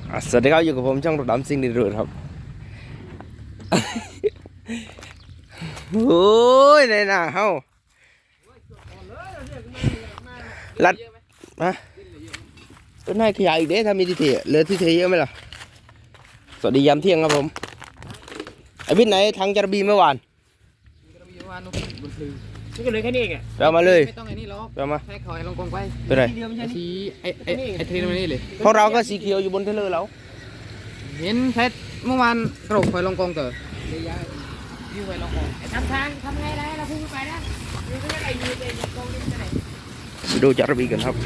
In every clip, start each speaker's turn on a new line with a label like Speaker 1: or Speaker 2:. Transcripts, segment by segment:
Speaker 1: สวัสดีครับอยู่กับผมช่องรถดำซิ่งดีรุ่ครับโอ้ยในหน้าเฮาลัดมาต้นไม้ขยายอีกเด้ถ้ามีที่เทเหลือที่เทเยอะไหมล่ะสวัสดียามเที่ยงครับผมไอ้วิทย์ไหนทางจระบีเมื่อวาน
Speaker 2: นี่ก็เลยแค่นี้เองอ่ะ
Speaker 1: เรามาเลย
Speaker 2: ไม่ต้องไอ้นี่หรอก
Speaker 1: เรามา
Speaker 2: ให้เขาให้ลงกองไป
Speaker 1: เป็นไร
Speaker 2: สีไอ้เทรนมานี่เลย
Speaker 1: พวกเราก็สีเขียวอยู่บนเทเลอร์แล้ว
Speaker 2: เห็นเพชรเมื่อวานกระโดดไฟลงกองเต๋อเลยย้ายยืมไฟลงกองทำทางทำไงได้เราพุ่งไปนะยืมไปยืมไปยืมกองนี่ไปไหน
Speaker 1: ดูจระบีกันครับ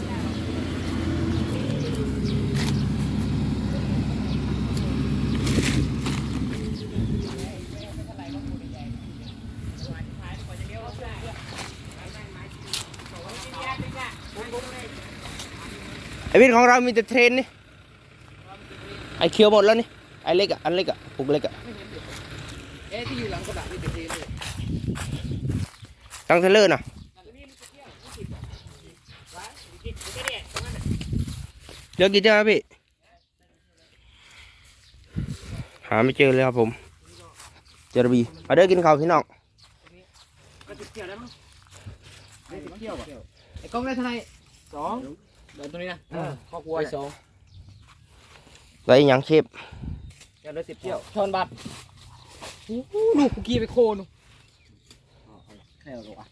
Speaker 1: ไอวิทย์ของเรามีแต่เทรนนี่ไอเขียวหมดแล้วนี่ไอเล็กอ่ะอันเล็กอ่ะปุกเล็กอ่ะ
Speaker 2: ที่อยู่หลังกระบะนี่เป็นเทรนเลย
Speaker 1: ตั้งเทเลอร์น่ะเจอกี่เจ้าพี่หาไม่เจอเลยครับผมเจอระบีมาเด้อกินข้าวพี่น้อง
Speaker 2: ไอ้กองได้เท่าไหร่2เดินตรงนี้นะครอบครัว2
Speaker 1: ไรยังเชฟ
Speaker 2: จะได้10เที่ยวชอนบัตรลูกคุกกี้ไปโคนแค่หรอ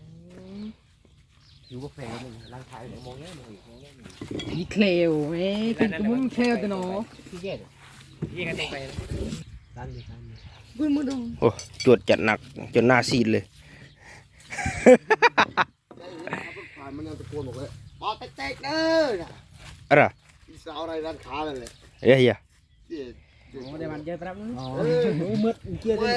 Speaker 2: อยู่ก็แฝงมึงร่างกายมองแง่มึงนี่เคลวไหมเป็นตัวมึงเคลวแต่เนาะพี่แก่พี่กันไปดันดิบึ้งมือดง
Speaker 1: โอ้จวดจัดหนักจนหน้าซีดเลย
Speaker 3: มันยังตะโกนบอกเลยปอเต๊กเด้อ
Speaker 1: อะไร
Speaker 3: อีสาวอะไรร้านค้าเลย
Speaker 1: เฮ้ย
Speaker 2: ไม่ได้มันเยอะแป๊บนึงมืดเกี่ยวได้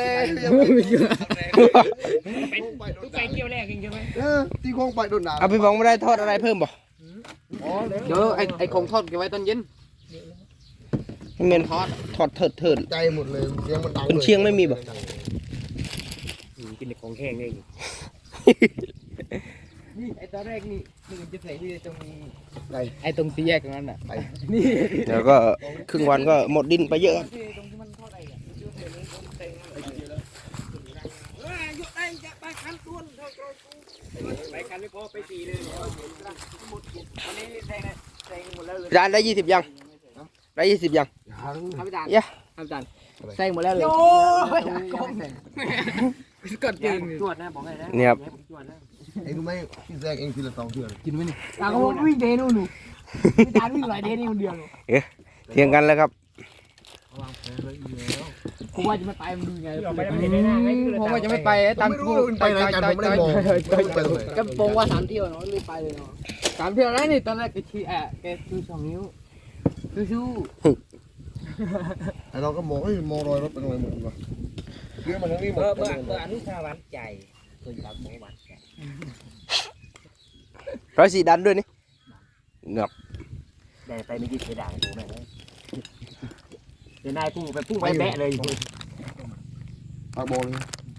Speaker 2: ไปเกี่ยวแรกจริงใช่ไหม
Speaker 3: ที่คงไปโดนหนาว
Speaker 1: เอาไปบอกไม่ได้ทอดอะไรเพิ่มบ่
Speaker 2: เดี๋ยวไอ้ของทอดเก็บไว้ตอนเย็น
Speaker 1: ให้เมนทอดเถิด
Speaker 3: ใจหมดเลยเสียงมันดัง
Speaker 1: เป็นเชียงไม่มีบ่
Speaker 2: กินของแห้งเองนี่ไอ้ตอนแรกนี่มันจะใส่ที่ตรงไอ้ตรงสี่แยกตรงนั้นน่ะนี่
Speaker 1: แล้วก็ครึ่งวันก็หมดดินไปเยอะร้านได้20ยังได้20ยัง
Speaker 2: ทำจาน
Speaker 1: เยอะ
Speaker 2: ทำจานใส่หมดแล้วเลยโอ้ยกดกินจวดนะบอกเลยนะ
Speaker 1: เนี่ยครับ
Speaker 3: เองรู้ไหมพี่แซกเองทีละ2เดือน
Speaker 2: กินไหมนี่ตาก็วิ่งเดนู่นหนูพี่ตาวิ่งหลายเดนี่คนเดียวหนู
Speaker 1: เทียงกันแล้วครับ
Speaker 2: ผมว่าจะไม่ไปมันดูไงผมว่าจะไม่ไปตามพูด
Speaker 3: ไปไหนกันผมไม่ได้มอง
Speaker 2: ก็ปงว่า3เที่ยวเนาะรีบไปเลยเนาะ3เที่ยวแล้วนี่ตอนแรกแกชี้แกชู2นิ้วชู
Speaker 3: ไอเราก็มองมองรอยรถเป็นอะไรหมดวะเรื่องมันทั้งนี้หมด
Speaker 2: เบอร์อนุชาวัดใจเคยตัดหมูวัด
Speaker 1: ร้อยสี่ดันด้วยนี่เงือบ
Speaker 2: แต่ไปไม่กินเสียดายกูแม่เลยเดี๋ยวนายพุ่งไปพุ่งไปแบะเลย
Speaker 3: ปากโบน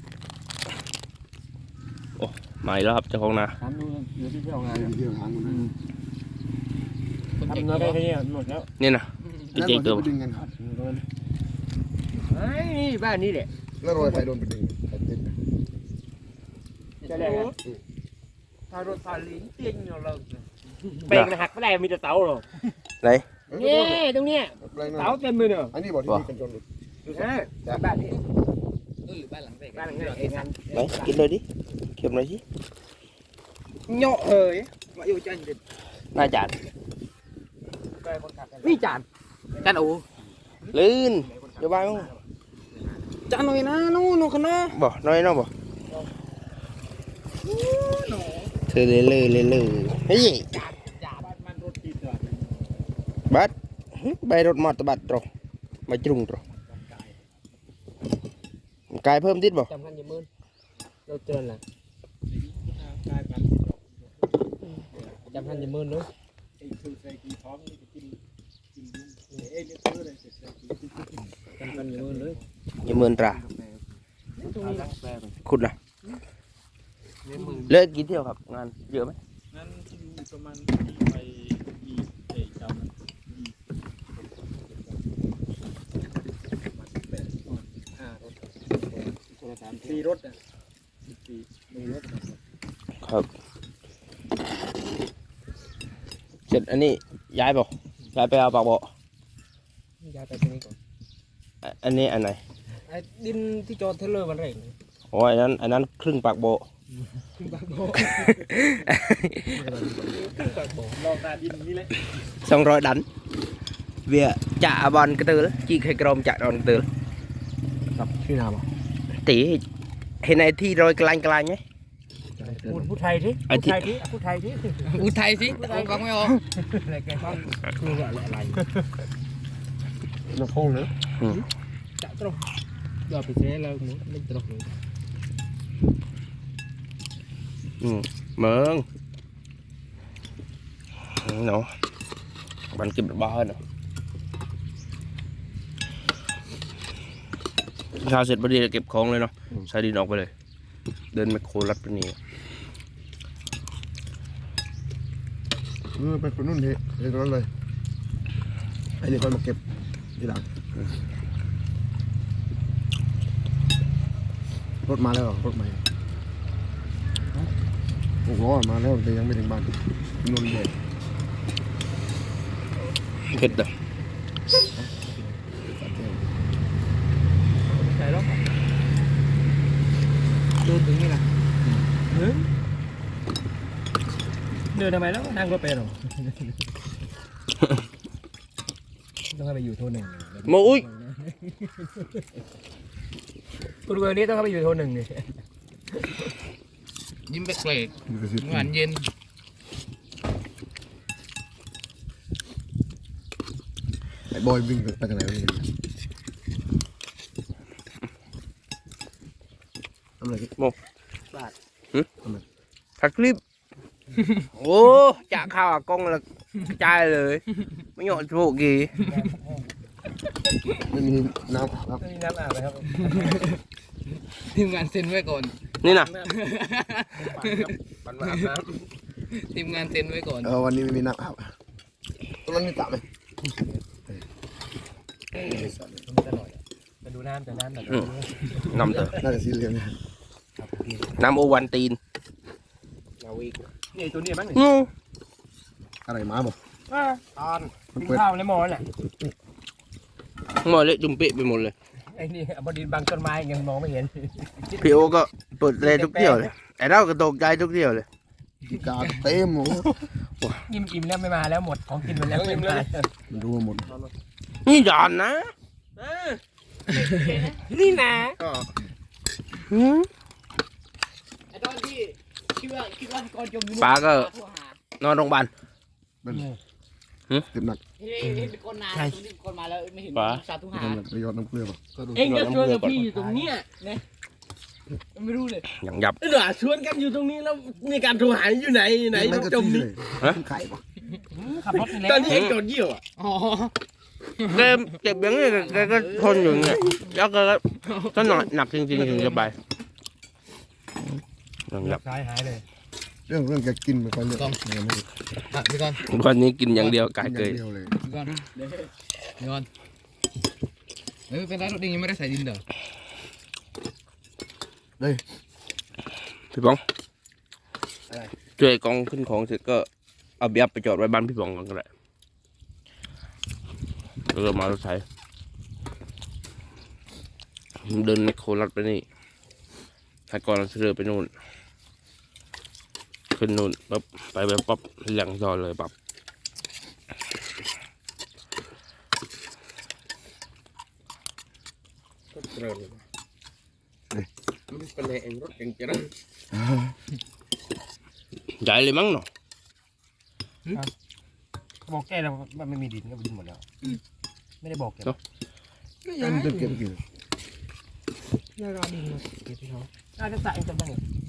Speaker 1: โอ้มาแล้วครับเจ้าของนา
Speaker 2: ทำดูเดี๋ยวที่เที่ยวงาน
Speaker 3: เที่ยวงานมัน
Speaker 2: ทำเงินได้แค่นี้หมดแล้ว
Speaker 1: นี่นะ
Speaker 3: แล้วเราจะไปดึงกัน
Speaker 2: นี่บ้านนี้แหละ
Speaker 3: แล้วรอยไฟโดนไปดึง
Speaker 2: ใช่เลยถ้ารถไฟลิ้นเตียงเราเบรกหักไม่ได้มีแต่เสาหรอ
Speaker 1: ไหน
Speaker 2: นี่ตรงนี้เสาเต็มเลยเนอะ
Speaker 3: อันนี้บอกที่นี่กันจนหลุด
Speaker 2: บ้านนี้บ้านหลังเบรกบ้านหลังเบรกเองงั้น
Speaker 1: ไหนกินเลยดิเก็บหน่อยสิ
Speaker 2: เหยาะเฮ้ยมาอยู่จันดิ
Speaker 1: น่าจาน
Speaker 2: นี่จานโอ้
Speaker 1: ลื่นเดี๋ยวไปมั้ง
Speaker 2: จานหน่อยนะนู่นขนาด
Speaker 1: บ่น้อยน้องบ่เธอเลยเฮ้ยบัดใบรถมอเตอร์บัตรตรอใบจุงตรอกายเพิ่มติดบ่
Speaker 2: จำกันอย่ามืนเราเจอแหละจำกันอย่ามืนด้วยจำกันอย่ามืนเลย
Speaker 1: อย่ามืนตราคุณนะเลิกกี่เที่ยวครับงานเยอะไหม
Speaker 4: งั้นประมาณไป
Speaker 2: สี่รถอ่ะ
Speaker 1: ครับเสร็จอันนี้ย้ายเปล่าย้ายไปเอาปากบ่อ
Speaker 2: ย้ายไปตรงนี้ก่อน
Speaker 1: อันนี้อันไหน
Speaker 2: ไอ้ดินที่จอดเทเลอร์มันเร่ง
Speaker 1: โอ้ยอันนั้นครึ่งปากบ่อ
Speaker 2: ขึ้นปากโบขึ้นปากโบลองตาดินนี่แหละ
Speaker 1: 200 đánh việc chạ bọn cái từ chị khai crom chạ bọn cái từ
Speaker 3: กับที่นาบ่
Speaker 1: tỷ hiện nay thi rồi cái lanh nhé
Speaker 2: พูดไทยสิพูดไทยสิพูดไทยสิพูดไทยสิฟังไม่ออกอะไรแกฟังคืออะไร
Speaker 3: น้ำพงเลย
Speaker 2: จะตรงเดี๋ยวไปเสียแล้วหมูไม่ตรง
Speaker 1: mớn nó bạn kịp được bao hơn rồi sao xiết đi kịp con lên nó sao đi nọcไปเลยเดินไมโครลัดไปนี่
Speaker 3: ไปคนนู้นเฮ้ยตรงนั้นเลยไอ้นี่คนมาเก็บทีหลังรถมาแล้วรถใหม่6 ล้อมาแล้วแต่ยังไม่ถึงบ้านนนท์เด็ด
Speaker 1: เผ็ดอ่ะ
Speaker 2: ใช่หรอดูถึงนี่นะเดินทำไมแล้วนั่งรถไปหรอต้องไปอยู่โทนหนึ่ง
Speaker 1: โอ้ย
Speaker 2: คุณเวอร์นี้ต้องเข้าไปอยู่โทนหนึ่งนี่ยิ้มแปลกๆหวานเย็น
Speaker 3: ไอ้บอยวิ่งไปทางไหนวะนี่ทำอะไร
Speaker 1: thật clip ô chả khao à con là trai rồi mới nhọn chỗ gì
Speaker 3: ไม่มีน้ำครับ
Speaker 2: ไม่มีน้ำอาบเลยครับทีมงานเซ็นไว้ก่อน
Speaker 1: นี่นะ
Speaker 2: ปั่นมาอาบน้ำทีมงานเซ็นไว้ก่อน
Speaker 3: วันนี้ไม่มีน้ำอาบตรงนั้นมีสระไหม
Speaker 2: มาดูน้ำแต่น้ำแต่
Speaker 1: nằm từ
Speaker 3: น่าจะสีเหลือง
Speaker 1: nam ô quan tin
Speaker 2: นี่ตัวนี้มั้ง
Speaker 1: ngu
Speaker 3: อะไรมาบอก
Speaker 2: ตอน
Speaker 3: มัน
Speaker 2: กิน
Speaker 3: เปิด
Speaker 2: ข้าวในหม้อน่ะ
Speaker 1: ngồi lấy chung bị một lần
Speaker 2: ไอ้นี่บดินบางต้นไม้ยังมองไม่เห็น
Speaker 1: พี่โอก็เปิดเลยทุกเที่ยวเลยไอ้เราก็ตกใจทุกเที่ยวเลย
Speaker 3: กีกาเต็มหมด
Speaker 2: อิ่มแล้วไม่มาแล้วหมดของกินหมดแล้วไม่มา
Speaker 3: มันรู้หมด
Speaker 1: นี่หย่อนนะ
Speaker 2: นี่นะ
Speaker 1: หืม
Speaker 2: ไอ้ตอนที่คิดว่าก่อนจมอยู่
Speaker 1: ป้าก็นอนโรงพยาบาล
Speaker 3: เจ็บหนัก
Speaker 2: เห็นคนนานตรงนี้คนมาแล้วไม่เห็นสาธุหา
Speaker 3: ทำแบบไปยอดน้ำเกลือป่ะ
Speaker 2: เองก็ชวนกับพี่อยู่ตรงเนี้ยเนี่ยไม่รู้เลย
Speaker 1: อย่างยับ
Speaker 4: เดี๋ยวชวนกันอยู่ตรงนี้แล้วมีการโทรหาอยู่ไหนจมนี่
Speaker 3: ไข่ป่ะ
Speaker 2: ขับรถไปแล้
Speaker 4: ต
Speaker 2: ว
Speaker 4: อนนี้เองโดนเยี่ยวอ่ะ
Speaker 2: อ๋อ
Speaker 1: แกเจ็บอย่างนี้แกก็ทนอยู่อย่างเงี้ยแล้วแกก็ถ้าหนักจริงๆถึงจะไปอย่างยับ
Speaker 2: สายหายเลย
Speaker 3: เรื่องแกกินไม่ค่อยเยอะ
Speaker 2: พี่ก่อน
Speaker 1: วันนี้กินอย่างเดียวกาย
Speaker 3: กิน
Speaker 1: เก
Speaker 3: อย ย่างเดียวเลย
Speaker 2: พี่ก่อนพี่ก่อนเฮ้ยเป็นไรรถดิงยังไม่ได้ใส่ดินเด้อ
Speaker 1: พี่บองช่วยกองขึ้นของเสร็จก็เอาเบียบไปจอดไว้บ้านพี่บองก่อนก็ได้แล้วก็มารถไถเดินไมโครลัดไปนี่ถ้าก่อนเราเรือไปนู่นขึ้นนู่นปั๊บไปแบบปั๊บหลังจอเลยปั๊บ
Speaker 4: มันเป็นเองรถเองจะได้
Speaker 1: ใหญ่เลยมั้งเนาะ
Speaker 2: บอกแกแล้วมันไม่มีดินก็ดินหมดแล้วไม่ได้บอกแก
Speaker 3: มันจะเก็บกี่
Speaker 2: น่ารอดินเก็บที่เขาน่าจะใส่กันบ้าง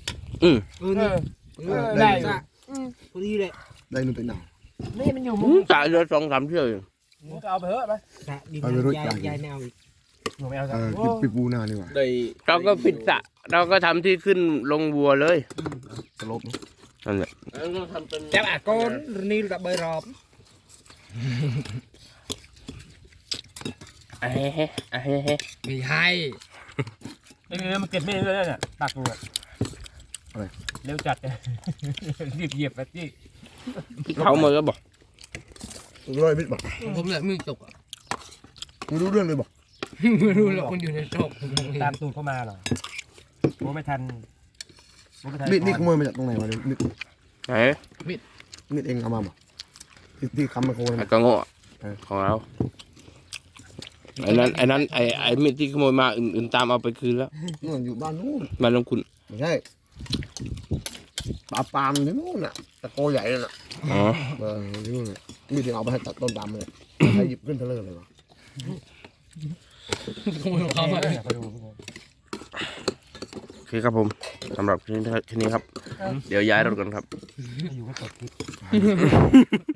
Speaker 3: ได้
Speaker 2: พอดีเลย
Speaker 3: ได้นู่นไปหนาว
Speaker 2: นี่มันอยู่มุ
Speaker 1: จ่ายเรือ2-3 เที่ยวอยู่
Speaker 2: มึงก็เอาไปเถอะไปดินยายแมวอีกหนูไม่เอาจ้ะ
Speaker 3: ปิดปูนาดีกว่า
Speaker 4: ได้
Speaker 1: เราก็ปิดสระเราก็ทำที่ขึ้นลงวัวเลย
Speaker 3: สลบ
Speaker 1: นั่นแหละ
Speaker 4: เราทำเป็น
Speaker 2: จับอ่ะก้นนี่ระเบิดรอบ
Speaker 1: เฮ้ไม่ใช่
Speaker 4: มันเก็บไม่ได้เนี่ยตักเลยเร็วจัดเลยรีบเหยียบไปที่
Speaker 1: เขามาก็บอก
Speaker 3: ร้อยมิตรบอก
Speaker 2: ผมเลยมือจกอ่ะ
Speaker 3: มึงรู้เรื่องเลยบอก
Speaker 2: ไม่รู้หรอกมันอยู่ในจก
Speaker 4: ตามตูดเข้ามาหรอโอ้ไม่ทัน
Speaker 3: มิตรนี่ขโมยมาจากตรงไหนวะมิตร
Speaker 1: ไหน
Speaker 3: มิตรเองเอามาบอกที่คำมาโค
Speaker 1: ไอ้
Speaker 3: น
Speaker 1: กระโง่ของเราไอ้นั้นไอ้มีดที่ขโมยมาอื่นตามเอาไปคืนแล้ว
Speaker 3: นู่นอยู่บ้านนู่น
Speaker 1: มาลงคุณ
Speaker 3: ไม่ใช่ปลามที่นู่นน่ะตะโกใหญ่นั่นน่ะ
Speaker 1: อ๋อ
Speaker 3: ที่นู่นน่ะมีถึงเอาไปให้ตัดต้นดำเลยให้หยิบขึ้นเทเลอร์เลยวะ
Speaker 2: ขโมยของเขามา
Speaker 1: โอเคครับผมสำหรับทีนี้ครับ เดี๋ยวย้ายรถกันครับ
Speaker 4: อยู่ก็กดคลิป